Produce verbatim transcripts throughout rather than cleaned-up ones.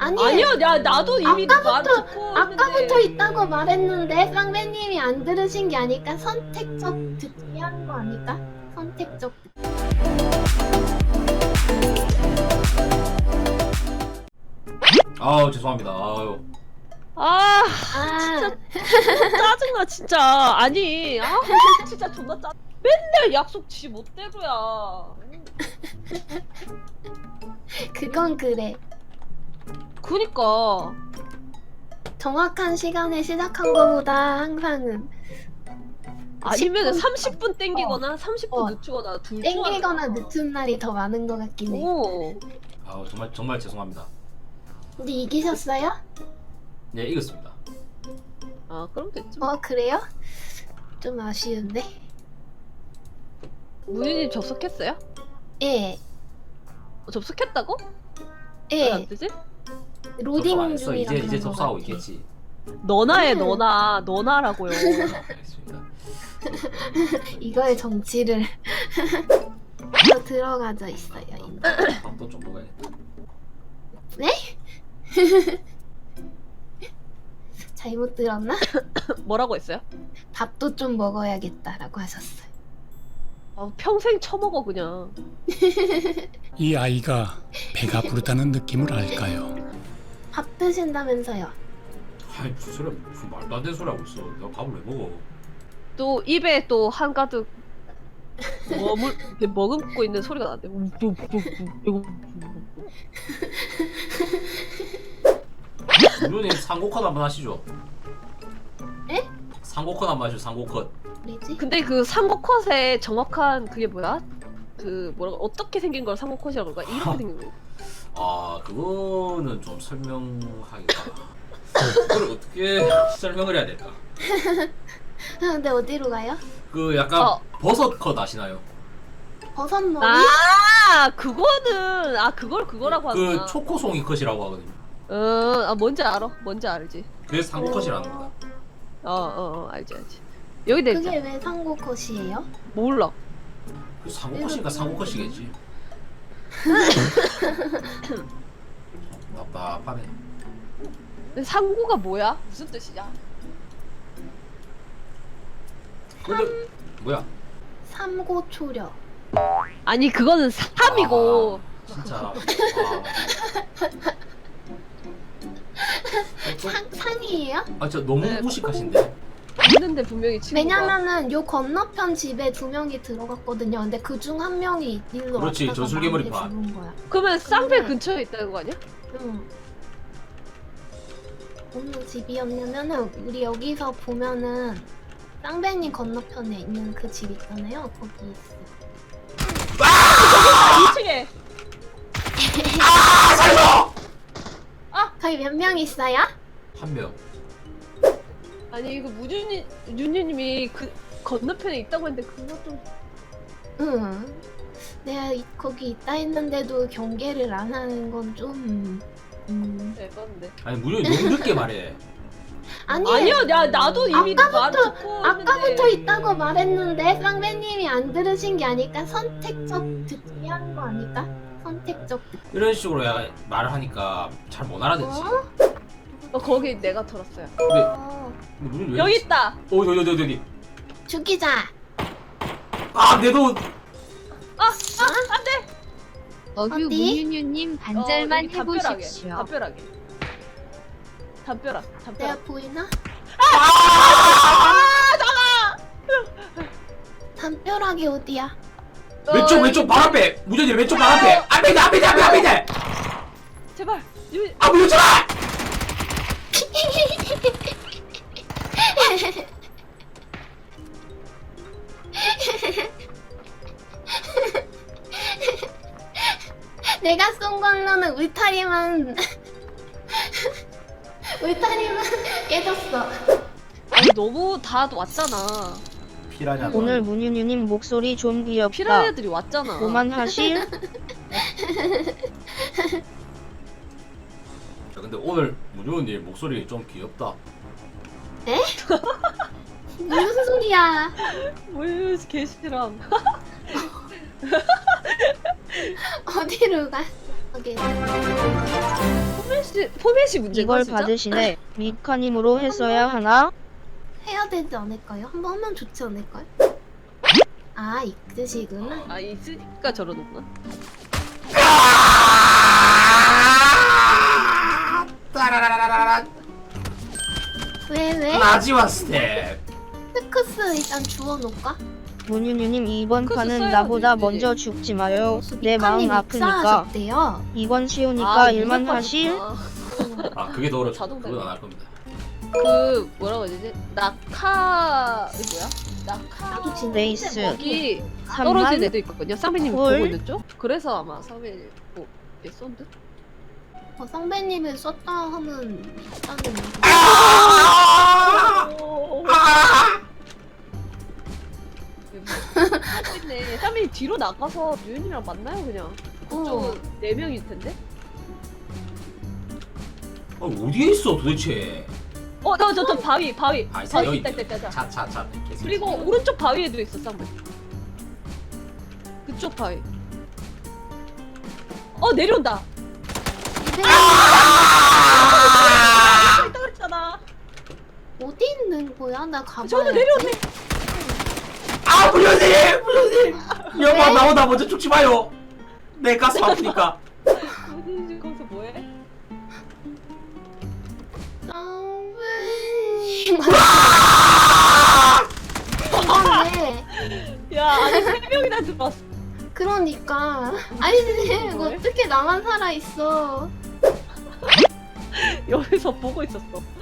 아니 아니야, 야 나도 이미 말 아까부터 듣고 아까부터 있는데. 있다고 말했는데 쌍배님이 안 들으신 게 아닐까? 선택적 듣기 하는 거 아닐까? 선택적 듣기. 아우 죄송합니다. 아유. 아 아 짜증나 진짜. 아니 아 진짜 존나 짜. 맨날 약속 지 멋대로야. 그건 그래. 그니까 정확한 시간에 시작한 거보다 항상은 아니면 십 분 삼십 분 땡기거나 삼십 분 어. 늦추거나 둘 중 땡기거나 하나야. 늦은 날이 더 많은 것 같긴 해. 오. 아우 정말 정말 죄송합니다. 근데 이기셨어요? 네 이겼습니다. 아 그럼 됐지. 어 그래요? 좀 아쉬운데. 문희님 접속했어요? 예, 어, 접속했다고? 왜 예. 안 되지? 접속 안 로딩 했어. 중이라 이제 이제 그런 것 접속하고 같아. 있겠지. 너나해 음. 너나 너나라고요. 알겠습니다. 이거의 정치를 더 들어가져 있어요. 이제. 밥도 좀 먹어야겠다. 잘못 들었나? 뭐라고 했어요? 밥도 좀 먹어야겠다라고 하셨어요. 아, 평생 처먹어 그냥. 이 아이가 배가 부르다는 느낌을 알까요? 밥 드신다면서요? 아이 무슨 소리야? 무슨 말도 안 되는 소리 하고 있어. 내가 밥을 왜 먹어? 또 입에 또 한가득 머물 이렇게 머금고 있는 소리가 나는데. 누님 상고컷 한번 하시죠. 에? 상고컷 한번 하시죠. 상고컷. 뭐지? 근데 그 상고컷의 정확한 그게 뭐야? 그 뭐라고 어떻게 생긴 걸 상고컷이라고 그럴까? 이렇게 생긴 거. 아 그거는 좀 설명하기가. 그걸 어떻게 설명을 해야 될까? 근데 어디로 가요? 그 약간 어. 버섯 컷 아시나요? 버섯머리? 아 그거는 아 그걸 그거라고 하구나. 그 초코송이 컷이라고 하거든요. 어, 아 뭔지 알아? 뭔지 알지? 그래서 상고컷이라는 겁니다. 어, 어, 어 알지, 알지. 여기 돼 있잖아. 그게 왜 상고컷이에요? 몰라. 그 상고컷이니까 상고컷이겠지. 답답하네. 근데 상고가 뭐야? 무슨 뜻이야? 근데 뭐야? 삼고초려. 아니 그거는 삼이고. 아, 진짜. 아. 상, 상이에요? 아, 진짜 너무 네. 무식하신데. 있는데 분명히 친구가. 왜냐면은 요 건너편 집에 두 명이 들어갔거든요. 근데 그 중 한 명이 일로 그렇지, 왔다가 전술괴물이 나한테 봐. 죽은 거야. 그러면 쌍배 근데- 근처에 있다는 거 아니야? 응. 어느 집이었냐면은 우리 여기서 보면은 쌍배님 건너편에 있는 그 집 있잖아요. 거기 있어. 이 층에. 아, 살려! 거기 몇 명 있어요? 한 명. 아니 이거 무준이 윤유님이 그 건너편에 있다고 했는데 그거 좀. 응. 내가 이- 거기 있다 했는데도 경계를 안 하는 건 좀. 음. 대박인데. 아니, 무려 너무 늦게 말해. 아니. 아니야, 야 나도 이미 말 아까부터- 듣고 아까부터 있는데. 있다고 말했는데 쌍배님이 안 들으신 게 아닐까? 선택적 듣기 하는 거 아닐까? 선택적 듣기. 이런 식으로 야, 말을 하니까 잘 못 알아듣지. 어? 어, 거기 내가 털었어요. 근데 어. 무슨 왜? 여기 있다. 어, 여기 여기 여기 여기. 죽이자. 아, 내 돈. 아, 아, 안 돼. 어규 어디? 문윤유님 반절만 어, 여기 담벼락에, 해보십시오. 담벼락에. 담벼락, 내가 담벼락. 보이나? 아, 담벼락이 어디야? 왼쪽 어, 왼쪽 발 앞에. 무전이 왼쪽 발 앞에. 앞에 있네 앞에 있네 앞에 앞에 있네. 제발. 유, 아, 무전지 마. 내가 쏜 걸로는 울타리만 울타리만 깨졌어. 아니 너무 다 왔잖아. 피라냐. 오늘 문윤유님 목소리 좀 귀엽다. 피라냐들이 왔잖아. 그만하실? 자, 근데 오늘 무전이 목소리 좀 귀엽다. 무슨 소리야? 뭘 개시람. 어디로 가? 거기. 분명히 포맷이 포맷이 문제인가 이걸 진짜? 받으시네. 미카님으로 했어야 하나? 해야 되지 않을까요? 한번 하면 좋지 않을까요? 아, 이 뜻이구나. 아 있으니까 저러는구나. 따라라라라라. 왜, 왜? 마지막 스텝. 스크스 일단 주워놓을까? 문윤유님 이번 그거 판은 써야지, 나보다 이제. 먼저 죽지 마요. 내 미카님 마음 아프니까. 입사하셨대요. 이건 쉬우니까 아, 일만 무조건 하실? 좋다. 아 그게 더 어렵죠. 자동 그건 안 할 겁니다. 그 뭐라고 해야 되지? 낙하 이게 뭐야? 낙하 나도 진짜 레이스. 여기 삼만? 떨어진 애도 있거든요. 쌍배님 헐. 보고 있는 쪽? 그래서 아마 쌍배님 뭐 얘 쏜 듯? 어, 쌍배님을 썼다 하면 있다는 얘기. 아! 네, 쌍배님 뒤로 나가서 유인이랑 만나요 그냥. 어. 그쪽은 네 명일 텐데. 아, 어디에 있어 도대체? 어, 저 저 저 바위 바위. 아, 바위 여기 있다 있다 있다. 있다. 차차차. 그리고 오른쪽 바위에도 있어 쌍배. 그쪽 바위. 어 내려온다. 아! 있다 그랬잖아. 어디 있는 거야? 나 가봐야지. 저도 내려오네. 아 불효님 불효님. 여보 나보다 먼저 죽지 마요. 내 가슴 아프니까. 어디 거기서 뭐해? 쌍배님. 이건데. 야 아니 세 명이나 들어왔어. 그러니까. 아니, 이거 뭐해? 어떻게 나만 살아있어. 여기서 보고 있었어.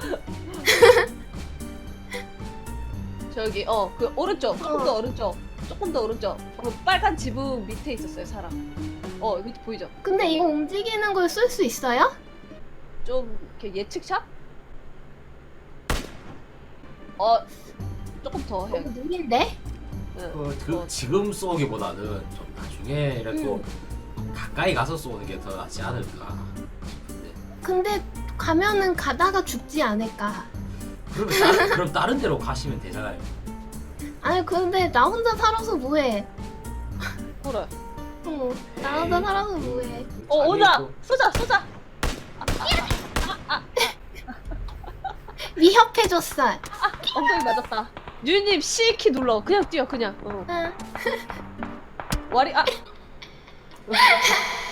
저기 어 그 오른쪽 조금 더 오른쪽 조금 더 오른쪽 그 빨간 지붕 밑에 있었어요 사람. 어 밑에 보이죠? 근데 이거 움직이는 걸 쓸 수 있어요? 좀 이렇게 예측샷? 어 조금 더 해. 너무 느린데? 응. 어, 그 지금 쏘기보다는 좀 나중에라도 가까이 가서 쏘는 게 더 낫지 않을까. 싶은데. 근데 가면은 가다가 죽지 않을까. 그럼 다른, 그럼 다른 데로 가시면 되잖아요. 아니, 근데 나 혼자 살아서 뭐해. 그래. 어, 나 혼자 살아서 뭐해. 어 자기 오자 또- 쏘자 쏘자. 위협해줬어. 엉덩이 맞았다. 유님 C키 눌러. 그냥 뛰어 그냥. 어. 응. 와리 아.